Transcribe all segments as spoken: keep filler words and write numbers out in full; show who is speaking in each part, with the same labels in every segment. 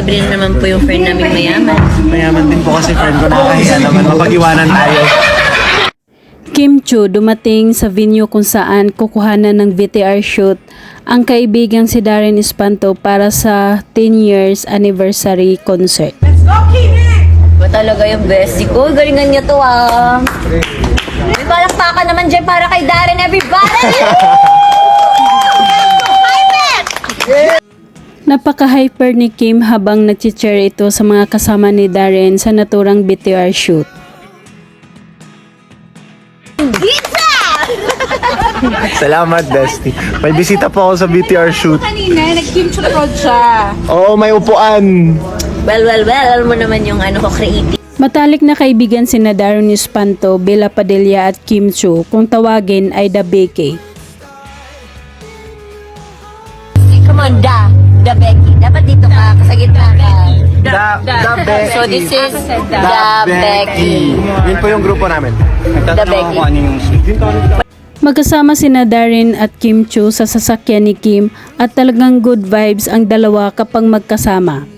Speaker 1: libre na naman po yung friend namin mayaman.
Speaker 2: Mayaman din po kasi friend ko, nakakahiya naman mapag-iwanan tayo.
Speaker 3: Kim Chiu dumating sa venue kung saan kukuhanan ng V T R shoot ang kaibigang si Darren Espanto para sa ten years anniversary concert.
Speaker 1: Ba talaga yung bestie ko? Galingan niya to ah. May palakpakan naman dyan para kay Darren, everybody!
Speaker 3: Napaka-hyper ni Kim habang nag-cheer ito sa mga kasama ni Darren sa naturang V T R shoot.
Speaker 2: Salamat, Dusty. May bisita po ako sa B T R shoot.
Speaker 4: Kanina, nag-kimchi prod siya.
Speaker 2: Oo, may upuan.
Speaker 1: Well, well, well, alam mo naman yung ano ko, creative.
Speaker 3: Matalik na kaibigan sina Darren Espanto, Bella Padilla at Kim Chiu, kung tawagin ay The Becky.
Speaker 1: Come on, da, da Becky. Dapat dito ka, sa gitna ka.
Speaker 2: Da, da Becky.
Speaker 1: So this is Da Becky.
Speaker 2: Yun po yung grupo namin.
Speaker 1: Da Becky.
Speaker 3: Magkasama sina Darren at Kim Chiu sa sasakyan ni Kim at talagang good vibes ang dalawa kapag magkasama.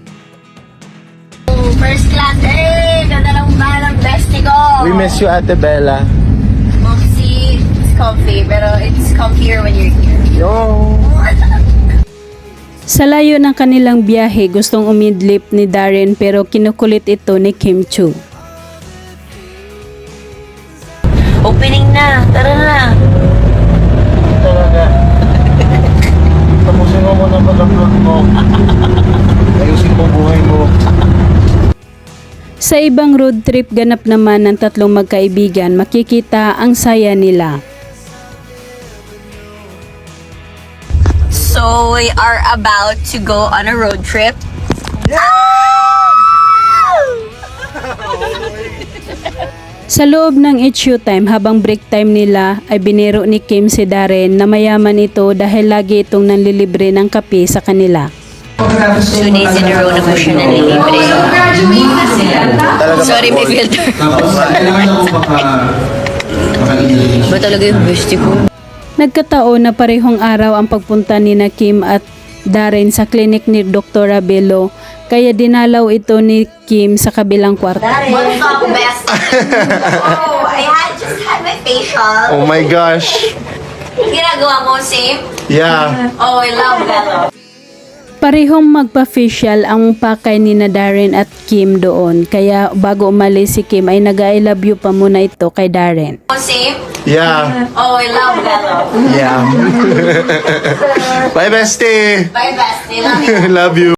Speaker 1: First class, eh! Ganda lang ba ng bestie ko?
Speaker 2: We miss you, Ate Bella.
Speaker 1: Moxie, it's comfy, pero it's comfier when you're here.
Speaker 2: Yo.
Speaker 3: Sa layo ng kanilang biyahe, gustong umidlip ni Darren pero kinukulit ito ni Kim Chiu.
Speaker 1: Opening na, tara na.
Speaker 2: Talaga. Tapusin mo muna mag-upload mo. Ayusin mo buhay mo.
Speaker 3: Sa ibang road trip ganap naman ng tatlong magkaibigan, makikita ang saya nila.
Speaker 1: So we are about to go on a road trip.
Speaker 3: Sa loob ng H U time habang break time nila ay biniro ni Kim si Darren na mayaman ito dahil lagi itong nanlilibre ng kape sa kanila.
Speaker 1: Two days in a row na po siya nanlilibre. Sorry, may filter. Ba talaga yung bestie ko?
Speaker 3: Nagkataon na parehong araw ang pagpunta ni na Kim at Darren sa klinik ni Doktor Abelo, kaya dinalaw ito ni Kim sa kabilang kwarto.
Speaker 1: What's up, best? Oh, I had just had my facial.
Speaker 2: Oh my gosh.
Speaker 1: Ginagawa mo, same?
Speaker 2: Yeah.
Speaker 1: Oh, I love that.
Speaker 3: Parehong magpa-facial ang pakay ni na Darren at Kim doon, kaya bago umalis si Kim ay nag-I love you pa muna ito kay Darren.
Speaker 1: Oh, same?
Speaker 2: Yeah.
Speaker 1: Oh, I love that.
Speaker 2: Yeah. Bye, bestie.
Speaker 1: Bye, bestie. Love you.
Speaker 2: Love you.